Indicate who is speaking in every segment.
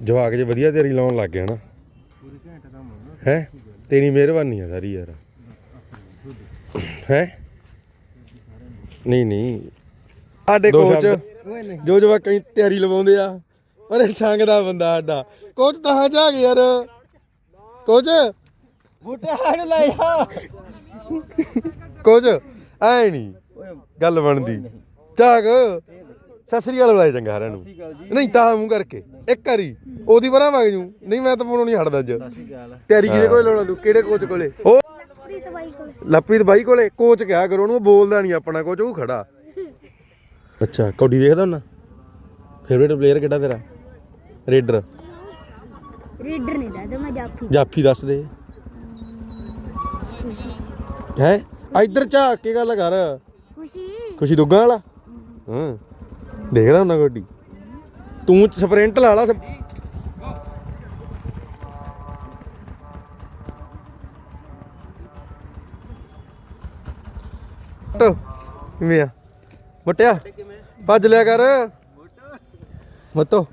Speaker 1: ਜਵਾਕ ਜੇ ਵਧੀਆ ਤਿਆਰੀ ਲਾਉਣ ਲੱਗ ਗਿਆ ਨਾ ਹੈ। ਤੇਰੀ ਮਿਹਰਬਾਨੀ ਆ ਸਾਰੀ ਯਾਰ ਹੈ। ਨਹੀਂ ਸਾਡੇ ਕੋਚ ਜੋ ਜਵਾਕਾਂ ਦੀ ਤਿਆਰੀ ਲਵਾਉਂਦੇ ਆ ਪਰ ਇਹ ਸੰਗ ਦਾ ਬੰਦਾ ਸਾਡਾ ਕੋਚ ਤਾਂ ਝਾਕ ਯਾਰ ਕੋਚ
Speaker 2: ਬੂਟੇ ਹੜ ਲੈ ਆ
Speaker 1: ਕੋਚ ਐ ਨਹੀਂ ਗੱਲ ਬਣਦੀ ਝਾਕ ਸਤਿ ਸ੍ਰੀ ਅਕਾਲ ਬੁਲਾਏ ਚੰਗਾ ਸਾਰਿਆਂ ਨੂੰ ਨਹੀਂ ਤਾਂ ਮੂੰਹ ਕਰਕੇ ਇੱਕ ਵਾਰੀ ਉਹਦੀ ਬਰਾਂ ਵਗ ਜੂ ਨਹੀਂ ਮੈਂ ਤਾਂ ਪਾਉਣੋਂ ਨਹੀਂ ਹਟਦਾ ਅੱਜ ਤਿਆਰੀ ਕਿਹਦੇ ਕੋਲੇ ਲਾਉਣਾ ਤੂੰ ਕਿਹੜੇ ਕੋਚ ਕੋਲੇ ਉਹ ਲਵਪ੍ਰੀਤ ਬਾਈ ਕੋਲੇ ਕੋਚ ਕਿਹਾ ਕਰੋ ਉਹਨੂੰ ਬੋਲਦਾ ਨਹੀਂ ਆਪਣਾ ਕੋਚ ਉਹ ਖੜਾ ਅੱਛਾ ਕੌਡੀ ਦੇਖਦਾ ਹੁੰਨਾ ਫੇਵਰੇਟ ਪਲੇਅਰ ਕਿਹੜਾ ਤੇਰਾ ਰੇਡਰ
Speaker 3: ਨਹੀਂ ਦੱਸਦਾ ਮੈਂ
Speaker 1: ਜਾਫੀ ਦੱਸ ਦੇ ਹੈ ਇੱਧਰ ਝਾਕ ਕੇ ਗੱਲ ਕਰ ਖੁਸ਼ੀ ਦੁੱਗਾ ਵਾਲਾ ਹਾਂ ਦੇਖਦਾ ਹੁੰਨਾ ਕੌਡੀ ਤੂੰ ਸਪ੍ਰਿੰਟ ਲਾ ਲਾ ਕਿਵੇਂ ਆ ਮਟਿਆ ਭੱਜ ਲਿਆ ਕਰ ਮਤੋ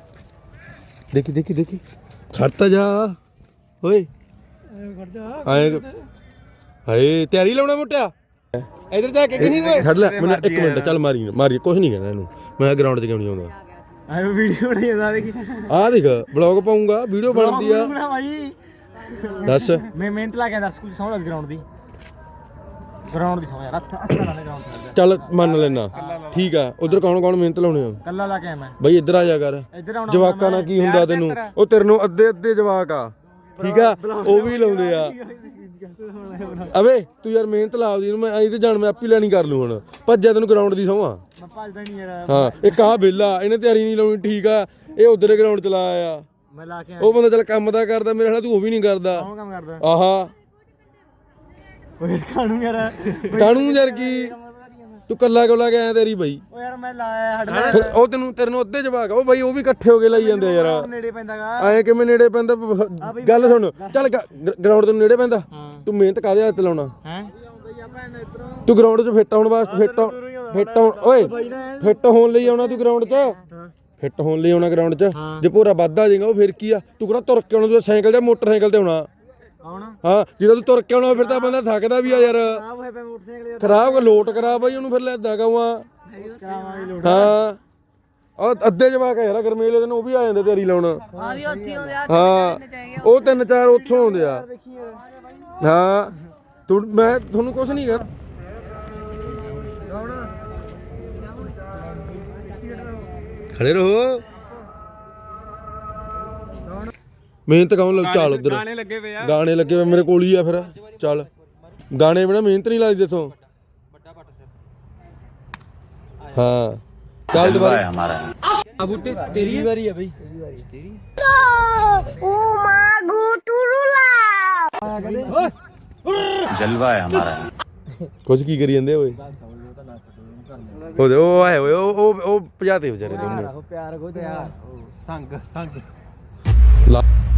Speaker 1: ਦੇਖੀ ਖੜਤਾ ਜਾ ਓਏ ਆਏ ਹਾਏ ਤਿਆਰੀ ਲਾਉਣਾ ਮੋਟਿਆ ਇਧਰ ਜਾ ਕੇ ਕਹੀਂ ਓਏ ਛੱਡ ਲੈ ਮੈਨੂੰ 1 ਮਿੰਟ ਚੱਲ ਮਾਰੀ ਕੁਝ ਨਹੀਂ ਕਹਿਣਾ ਇਹਨੂੰ ਮੈਂ ਗਰਾਊਂਡ 'ਚ ਕਿਉਂ ਨਹੀਂ ਆਉਂਦਾ
Speaker 2: ਆਏ ਵੀਡੀਓ ਬਣਾਈ ਜਾਂਦਾ ਦੇਖੀ
Speaker 1: ਆਹ ਦੇਖ ਬਲੌਗ ਪਾਉਂਗਾ ਵੀਡੀਓ ਬਣਦੀ ਆ
Speaker 2: ਭਾਈ
Speaker 1: ਦੱਸ
Speaker 2: ਮੈਂ ਮਿਹਨਤ ਲਾ ਕੇ ਦੱਸ ਕੁਝ ਸੌਂ ਲੱਗ ਗਰਾਊਂਡ ਦੀ ਸੌਂ ਯਾਰ ਅੱਛਾ ਗਰਾਊਂਡ
Speaker 1: ਚੱਲ ਮੰਨ ਲੈਣਾ ਠੀਕ ਆ ਉਧਰ ਕੌਣ ਮਿਹਨਤ ਲਾਉਣੇ ਆ
Speaker 2: ਕੱਲਾ ਲਾ ਕੇ ਮੈਂ
Speaker 1: ਬਈ ਇੱਧਰ ਆ ਜਾ ਕਰ ਜਵਾਕਾਂ ਨਾਲ ਕੀ ਹੁੰਦਾ ਤੈਨੂੰ ਉਹ ਤੇਰੇ ਨੂੰ ਅੱਧੇ ਜਵਾਕ ਆ ਠੀਕ ਆ ਉਹ ਵੀ ਲਾਉਂਦੇ ਆ ਅਵੇ ਤੂੰ ਯਾਰ ਮਿਹਨਤ ਲਾ ਉਹਦੀ ਮੈਂ ਆਈ ਤੇ ਜਾਣ ਮੈਂ ਆਪੀ ਲੈਣੀ ਕਰ ਲੂ ਹੁਣ ਭੱਜਿਆ ਤੈਨੂੰ ਗਰਾਊਂਡ ਦੀ ਸੌਂ ਆ
Speaker 2: ਮੈਂ ਭੱਜਦਾ ਨਹੀਂ ਯਾਰ
Speaker 1: ਹਾਂ ਇੱਕ ਆਹ ਵਿਹਲਾ ਇਹਨੇ ਤਿਆਰੀ ਨਹੀਂ ਲਾਉਣੀ ਠੀਕ ਆ ਇਹ ਉਧਰ ਗਰਾਊਂਡ ਚ ਲਾਇਆ ਆ
Speaker 2: ਮੈਂ ਲਾ ਕੇ
Speaker 1: ਉਹ ਬੰਦਾ ਚੱਲ ਕੰਮ ਦਾ ਕਰਦਾ ਮੇਰੇ ਨਾਲ ਤੂੰ ਉਹ ਵੀ ਨਹੀਂ ਕਰਦਾ
Speaker 2: ਕੌਣ ਕੰਮ ਕਰਦਾ
Speaker 1: ਆਹਾ
Speaker 2: ਓਏ ਕਾਣੂ
Speaker 1: ਯਾਰ ਕੀ ਤੂੰ ਕੱਲਾ ਕੇ ਆਇਆ ਤੇਰੀ ਬਈ
Speaker 2: ਓ ਯਾਰ ਮੈਂ ਲਾਇਆ ਹੱਡ
Speaker 1: ਉਹ ਤੇਰੇ ਨੂੰ ਅੱਧੇ ਜਵਾਕ ਉਹ ਬਈ ਉਹ ਵੀ ਇਕੱਠੇ ਹੋ ਕੇ ਲਾਈ ਜਾਂਦੇ ਯਾਰ
Speaker 2: ਨੇੜੇ ਪੈਂਦਾਗਾ
Speaker 1: ਐਂ ਕਿਵੇਂ ਨੇੜੇ ਪੈਂਦਾ ਗੱਲ ਸੁਣ ਚੱਲ ਗਰਾਊਂਡ ਤੋਂ ਨੇੜੇ ਪੈਂਦਾ ਤੂੰ ਮਿਹਨਤ ਕਾਹਦੇ ਹੱਥ ਲਾਉਣਾ
Speaker 2: ਹੈ
Speaker 1: ਤੂੰ ਗਰਾਊਂਡ 'ਚ ਫਿੱਟ ਹੋਣ ਵਾਸਤੇ ਓਏ ਫਿੱਟ ਹੋਣ ਲਈ ਆਉਣਾ ਤੂੰ ਗਰਾਊਂਡ 'ਚ ਫਿੱਟ ਹੋਣ ਲਈ ਆਉਣਾ ਗਰਾਊਂਡ 'ਚ ਜੇ ਪੂਰਾ ਵੱਧਾ ਜਾਏਗਾ ਉਹ ਫਿਰ ਕੀ ਆ ਤੂੰ ਕਿਹੜਾ ਤੁਰ ਕੇ ਆਉਣਾ ਤੂੰ ਸਾਈਕਲ ਜਾਂ ਮੋਟਰਸਾਈਕਲ ਤੇ ਆਉਣਾ ਹਾਂ ਜਦੋਂ ਤੂੰ ਤੁਰ ਕੇ ਆਉਣਾ ਫਿਰ ਤਾਂ ਬੰਦਾ ਥੱਕਦਾ ਵੀ ਆ ਯਾਰ ਖਰਾਬ ਲੋਟ ਕਰਾ ਬਾਈ ਉਹਨੂੰ ਫਿਰ ਲੈਦਾ ਗਾਵਾਂ ਹਾਂ ਉਹ ਅੱਧੇ ਜਵਾਕ ਯਾਰ ਗਰਮੇਲੇ ਦਿਨ ਉਹ ਵੀ ਆ ਜਾਂਦੇ ਤਿਆਰੀ ਲਾਉਣ ਹਾਂ ਉਹ 3-4 ਉੱਥੋਂ ਆਉਂਦੇ ਆ ਹਾਂ ਮੈਂ ਤੁਹਾਨੂੰ ਕੁਛ ਨਹੀਂ ਕਰ ਖੜੇ ਰਹੋ ਮਿਹਨਤ ਕੌਣ ਲੱਗ ਚੱਲ ਉਧਰ ਗਾਣੇ ਲੱਗੇ ਪਏ ਮੇਰੇ ਕੋਲ ਹੀ ਆ ਫਿਰ ਚੱਲ ਗਾਣੇ ਬਿਨਾ ਮਿਹਨਤ ਨਹੀਂ ਲੱਗਦੀ ਇੱਥੋਂ ਹਾਂ ਚੱਲ ਦੁਬਾਰਾ
Speaker 2: ਆ ਬੂਟੇ ਤੇਰੀ ਵਾਰੀ ਆ ਬਈ ਤੇਰੀ
Speaker 3: ਓ ਮਾ ਗੋਟੂਰੂਲਾ
Speaker 4: ਜਲਵਾ ਹੈ ਹਮਾਰਾ
Speaker 1: ਕੁਝ ਕੀ ਕਰੀ ਜਾਂਦੇ ਓਏ ਉਹਦੇ ਉਹ ਆਏ ਓਏ ਉਹ ਭਜਾਤੇ ਵਿਚਾਰੇ ਦੋਨੇ
Speaker 2: ਪਿਆਰ ਕੋ ਤੇ ਯਾਰ ਸੰਗ